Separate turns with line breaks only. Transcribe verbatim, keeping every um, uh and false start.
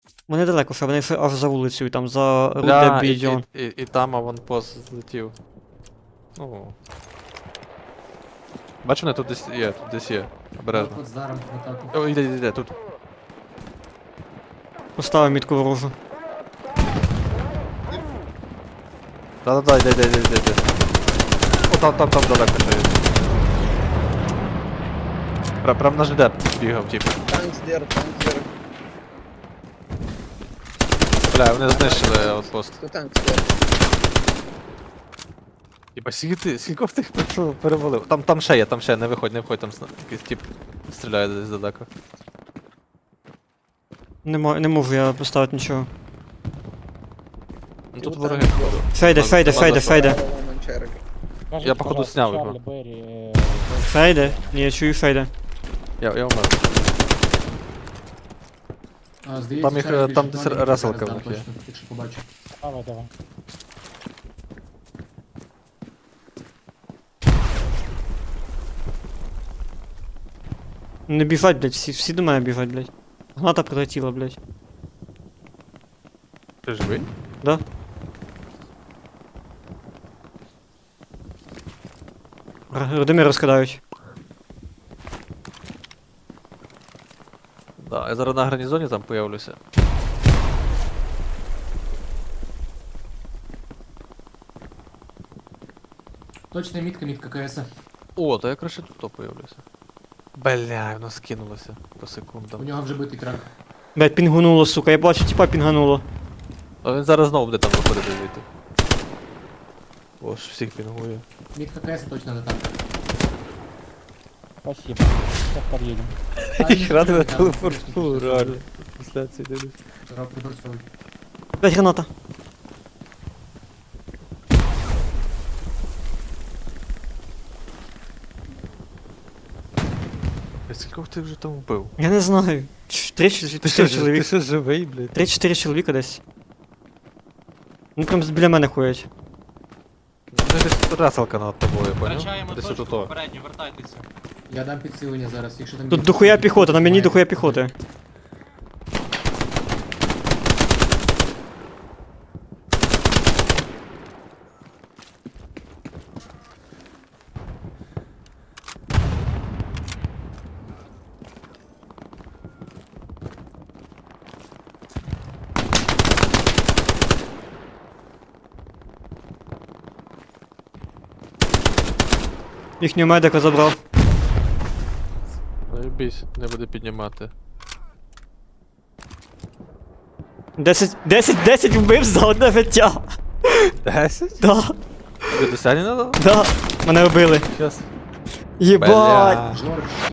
Вони далеко, що вони ще аж за вулицею, там за
Бля,
Руде
і,
Бідіон.
і, і, і там аванпост злетів. Ну. Бачу, вони тут десь є, тут десь є. Обережно.
От зараз в атаку.
О, іде, іде, іде, тут.
Поставив мітку ворожу.
Да-да-да, іде, іде, іде, іде, іде. О, там, там, там далеко ще є. Прям, прям на ЖД бігав, типу.
Танк здер, танк здер.
Бля, вони знищили аванпост.
Кто танк здер?
Єба, скільки ти, скільки ти їх перевалив? Там, там ще є, там ще є, не виходь, не виходь, там сна- якийсь тип стріляє десь далеко.
Не, мо- не можу я поставити нічого.
Ну тут
Ну,
вороги.
там
Фейде,
Нема-
фейде,
нема
фейде,
за що.
фейде.
Манчерик.
Скажіть,
Я, походу,
пожалуйста,
сняв
Чарлі,
його.
Беррі, е,
Фейде? Ні, я чую фейде.
Я, я умер.
А, здається,
Там їх,
Чарлі
е, там
більше
десь
планів,
реселка
зараз
в них
дам
є.
точно, якщо побачу.
давай, давай.
Не біжать, блядь, всі, всі до мене біжать, блядь. Граната прилетіла, блядь.
Ти живий?
Да? Р- Родимир розкидають.
Да, я зараз на гарнізоні там появлюся.
Точна мітка, мітка КС.
О, то я краще тут появлюся. Бля, воно скинулося по
У
секундам.
нього вже битий трак.
Блядь, пінгунуло, сука, я бачу, типа пінгануло.
А він зараз знову буде там виходити звідти. О, ж всіх пінгує.
Мітка КС точно не там.
Спасибо. Сейчас подъедем.
Їх радує телефорту, реально. Трансляції дивлюсь.
Зараз приборцовий.
Блядь, граната.
А скількох ти вже там вбив?
Я не знаю. Ч- Три чи
Ти
чотири
що, ж- ти
чоловік.
що живий, блядь?
Три-чотири чоловіка десь. Ну прям біля мене ходять.
Ну десь раселка над тобою, поняв?
Втрачаємо
Десь
точку,
отут.
попередньо, вертайтеся.
Я дам підсилення зараз, якщо там...
Тут
є-
дохуя піхота, на мені
Має
дохуя
бути.
піхоти. Їхнього медика забрав.
Заєбісь, не буде піднімати.
Десять, десять, десять вбив за одне життя.
Десять?
Да,
Тобі досягнення надо?
да. Мене вбили.
Щас.
Єбать.
Бля.
Жорж.